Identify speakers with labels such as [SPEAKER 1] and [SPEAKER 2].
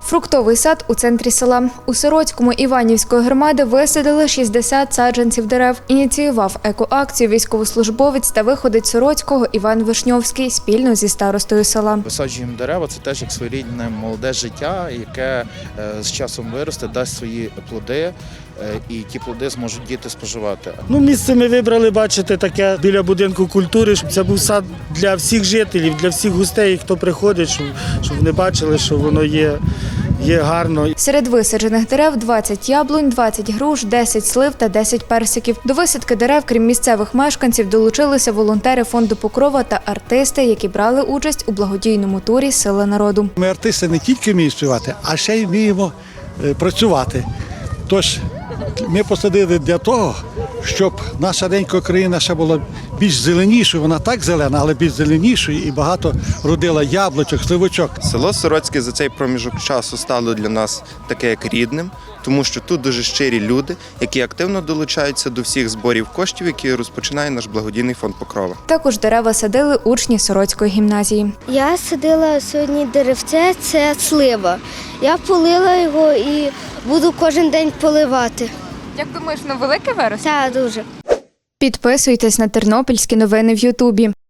[SPEAKER 1] Фруктовий сад у центрі села. У Сороцькому Іванівської громади висадили 60 саджанців дерев. Ініціював екоакцію військовослужбовець та виходець Сороцького Іван Вишньовський спільно зі старостою села.
[SPEAKER 2] Висаджуємо дерева – це теж як своєрідне молоде життя, яке з часом виросте, дасть свої плоди, і ті плоди зможуть діти споживати.
[SPEAKER 3] Місце ми вибрали, бачите, таке біля будинку культури, щоб це був сад для всіх жителів, для всіх гостей, хто приходить, щоб вони бачили, що воно є гарно.
[SPEAKER 1] Серед висаджених дерев 20 яблунь, 20 груш, 10 слив та 10 персиків. До висадки дерев, крім місцевих мешканців, долучилися волонтери фонду Покрова та артисти, які брали участь у благодійному турі «Сила народу».
[SPEAKER 4] Ми артисти не тільки вміємо співати, а ще й вміємо працювати. Тож ми посадили для того, щоб наша ренька країна ще була більш зеленішою. Вона так зелена, але більш зеленішою і багато родила яблучок, сливочок.
[SPEAKER 5] Село Сороцьке за цей проміжок часу стало для нас таке як рідним, тому що тут дуже щирі люди, які активно долучаються до всіх зборів коштів, які розпочинає наш благодійний фонд Покрова.
[SPEAKER 1] Також дерева садили учні Сороцької гімназії.
[SPEAKER 6] Я садила сьогодні деревце, це слива. Я полила його і буду кожен день поливати.
[SPEAKER 1] Як думаєш, велике виросте?
[SPEAKER 6] Так, дуже.
[SPEAKER 1] Підписуйтесь на тернопільські новини в Ютубі.